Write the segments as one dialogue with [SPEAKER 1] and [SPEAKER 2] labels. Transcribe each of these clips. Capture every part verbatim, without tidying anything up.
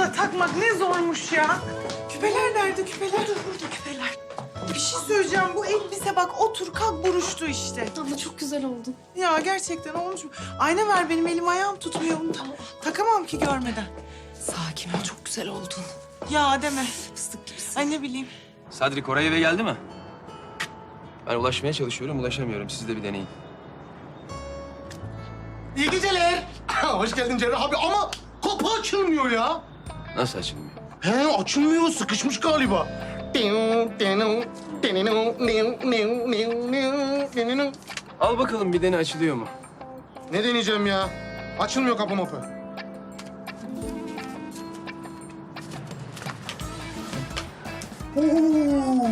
[SPEAKER 1] da takmak ne zormuş ya. Küpeler nerede küpeler? Burada, burada küpeler. Bir şey söyleyeceğim. Bu elbise bak otur kalk buruştu işte.
[SPEAKER 2] Abla çok güzel oldun.
[SPEAKER 1] Ya gerçekten olmuş mu? Ayna ver benim elim ayağım tutmuyor bunu.
[SPEAKER 2] Tamam.
[SPEAKER 1] Takamam ki görmeden.
[SPEAKER 2] Sakin ol, çok güzel oldun.
[SPEAKER 1] Ya deme.
[SPEAKER 2] Fıstık gibisin.
[SPEAKER 1] Ay ne bileyim.
[SPEAKER 3] Sadri Koray eve geldi mi? Ben ulaşmaya çalışıyorum, ulaşamıyorum. Siz de bir deneyin.
[SPEAKER 4] İyi geceler. Hoş geldin Cerrah abi ama kapı açılmıyor ya.
[SPEAKER 3] Nasıl açılmıyor?
[SPEAKER 4] He açılmıyor, sıkışmış galiba.
[SPEAKER 3] Al bakalım bir dene açılıyor mu?
[SPEAKER 4] Ne deneyeceğim ya? Açılmıyor kapı mapı. Oo.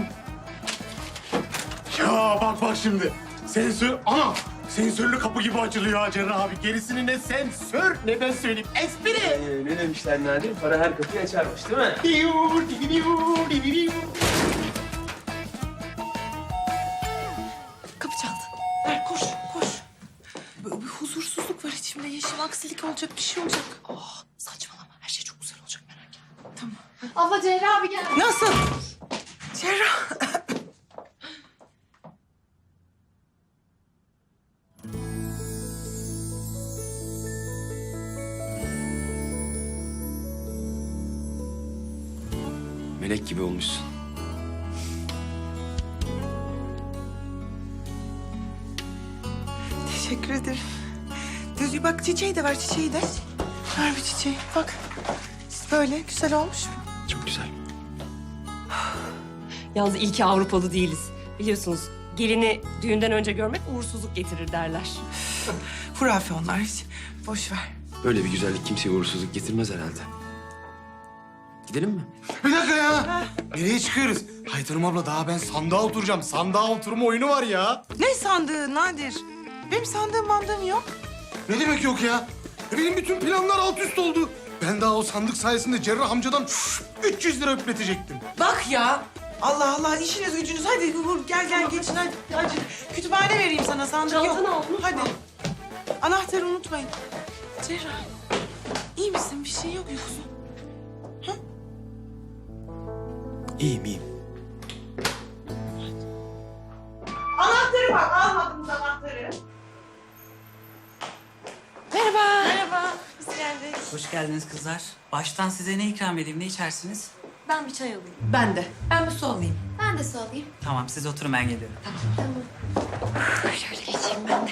[SPEAKER 4] Ya bak bak şimdi. Sensör, ana sensörlü kapı gibi açılıyor ha Cerrah abi. Gerisini ne sensör ne ben söyleyeyim. Espri.
[SPEAKER 3] Ee, ne demişler Nadir? Para her kapıyı açarmış değil mi?
[SPEAKER 1] Kapı çaldı. Ver koş koş. Böyle bir huzursuzluk var içimde. Yeşim aksilik olacak bir şey olacak.
[SPEAKER 2] Oh, saçmalama. Her şey çok güzel olacak, merak etme.
[SPEAKER 1] Tamam.
[SPEAKER 2] Abla Cerrah abi gel.
[SPEAKER 1] Nasıl? Cerrah.
[SPEAKER 3] Melek gibi olmuşsun.
[SPEAKER 1] Teşekkür ederim. Düzgün bak çiçeği de ver çiçeği de. Ver bir çiçeği bak. Böyle güzel olmuş mu?
[SPEAKER 3] Çok güzel.
[SPEAKER 5] Yalnız iyi ki Avrupalı değiliz. Biliyorsunuz gelini düğünden önce görmek uğursuzluk getirir derler.
[SPEAKER 1] Hurafe onlar hiç. Boş ver.
[SPEAKER 3] Böyle bir güzellik kimseye uğursuzluk getirmez herhalde. Gidelim mi?
[SPEAKER 4] Bir dakika ya. Nereye çıkıyoruz? Haytanım abla daha ben sandığa oturacağım. Sandığa oturma oyunu var ya.
[SPEAKER 1] Ne sandığı Nadir? Benim sandığım mandığım yok.
[SPEAKER 4] Ne demek yok ya? E benim bütün planlar alt üst oldu. Ben daha o sandık sayesinde Cerrah amcadan üç yüz lira öpletecektim.
[SPEAKER 1] Bak ya. Allah Allah işiniz gücünüz. Hadi vur, gel gel geçin hadi. hadi. Kütüphane vereyim sana sandık yok.
[SPEAKER 5] Çantanı al, unutma.
[SPEAKER 1] Hadi. Anahtarı unutmayın. Cerrah. İyi misin? Bir şey yok yoksa.
[SPEAKER 3] İyiyim, iyiyim.
[SPEAKER 1] Anahtarı bak. Almadınız anahtarı.
[SPEAKER 5] Merhaba.
[SPEAKER 1] Merhaba. Biz geldik.
[SPEAKER 6] Hoş geldiniz kızlar. Baştan size ne ikram edeyim, ne içersiniz?
[SPEAKER 2] Ben bir çay alayım.
[SPEAKER 5] Ben de. Ben bir su alayım.
[SPEAKER 2] Ben de su alayım.
[SPEAKER 6] Tamam, siz oturun ben geliyorum.
[SPEAKER 2] Şöyle geçeyim ben de.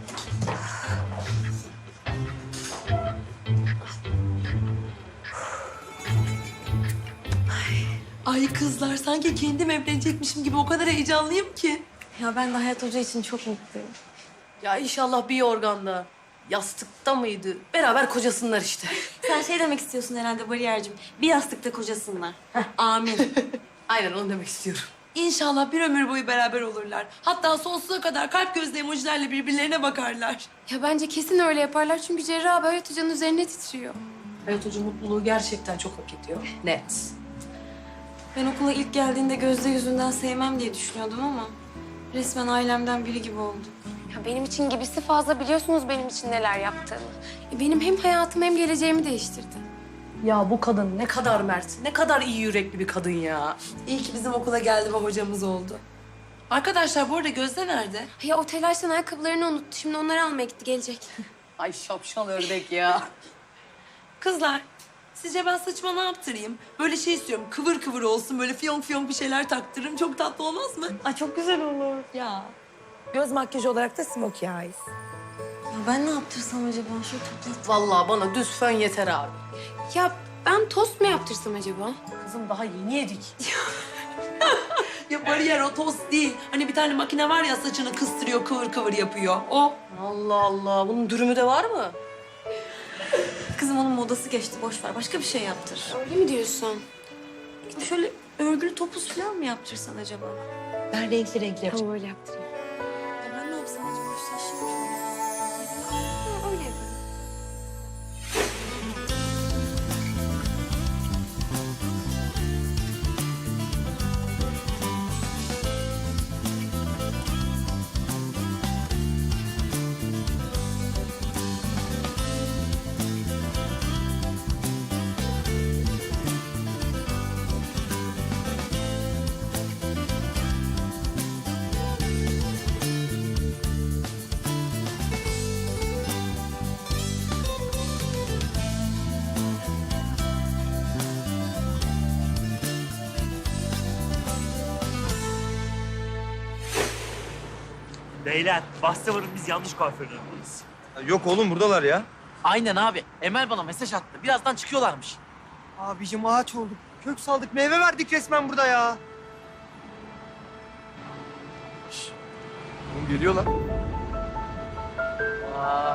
[SPEAKER 5] Ay kızlar sanki kendim evlenecekmişim gibi o kadar heyecanlıyım ki.
[SPEAKER 2] Ya ben de Hayat Hoca için çok mutluyum.
[SPEAKER 5] Ya inşallah bir yorganda, yastıkta mıydı? Beraber kocasınlar işte.
[SPEAKER 2] Sen şey demek istiyorsun herhalde Bariyer'cim. Bir yastıkta kocasınlar. Amin.
[SPEAKER 5] Aynen onu demek istiyorum. İnşallah bir ömür boyu beraber olurlar. Hatta sonsuza kadar kalp gözlü emojilerle birbirlerine bakarlar.
[SPEAKER 2] Ya bence kesin öyle yaparlar çünkü Cerrah abi Hayat Hoca'nın üzerine titriyor.
[SPEAKER 5] Hayat Hoca mutluluğu gerçekten çok hak ediyor. Net.
[SPEAKER 2] Ben okula ilk geldiğinde Gözde yüzünden sevmem diye düşünüyordum ama resmen ailemden biri gibi oldu.
[SPEAKER 7] Ya benim için gibisi fazla, biliyorsunuz benim için neler yaptığını.
[SPEAKER 2] E, Benim hem hayatımı hem geleceğimi değiştirdi.
[SPEAKER 5] Ya bu kadın ne kadar mert, ne kadar iyi yürekli bir kadın ya. İyi ki bizim okula geldi ve hocamız oldu. Arkadaşlar bu arada Gözde nerede?
[SPEAKER 2] Ya o telaştan ayakkabılarını unuttu. Şimdi onları almaya gitti, gelecek.
[SPEAKER 5] Ay şapşal ördek ya. Kızlar, sizce ben saçıma ne yaptırayım? Böyle şey istiyorum, kıvır kıvır olsun, böyle fiyonk fiyonk bir şeyler taktırırım. Çok tatlı olmaz mı?
[SPEAKER 2] Ay çok güzel olur.
[SPEAKER 5] Ya. Göz makyajı olarak da smokey eyes.
[SPEAKER 2] Ya ben ne yaptırsam acaba? Şöyle toplat.
[SPEAKER 5] Vallahi bana düz fön yeter abi.
[SPEAKER 2] Ya ben tost mu yaptırsam acaba?
[SPEAKER 5] Kızım daha yeni yedik. Ya bariyer o tost değil. Hani bir tane makine var ya saçını kıstırıyor, kıvır kıvır yapıyor. O. Allah Allah, bunun dürümü de var mı?
[SPEAKER 2] Kızım onun modası geçti, boş ver. Başka bir şey yaptır.
[SPEAKER 7] Öyle mi diyorsun?
[SPEAKER 2] Şöyle örgülü topuz falan mı yaptırsan acaba?
[SPEAKER 5] Ben renkli renkli yapacağım.
[SPEAKER 7] Tamam öyle yaptırayım.
[SPEAKER 2] Ya ben ne yapsam acaba? Şu saçlarım şöyle. Ha, öyle yaparım.
[SPEAKER 8] Beyler, bahse varın biz yanlış kuaförün önündeyiz.
[SPEAKER 3] Yok oğlum buradalar ya.
[SPEAKER 9] Aynen abi. Emel bana mesaj attı. Birazdan çıkıyorlarmış.
[SPEAKER 10] Abicim ağaç olduk. Kök saldık, meyve verdik resmen burada ya.
[SPEAKER 3] Oğlum geliyorlar.
[SPEAKER 9] Vay.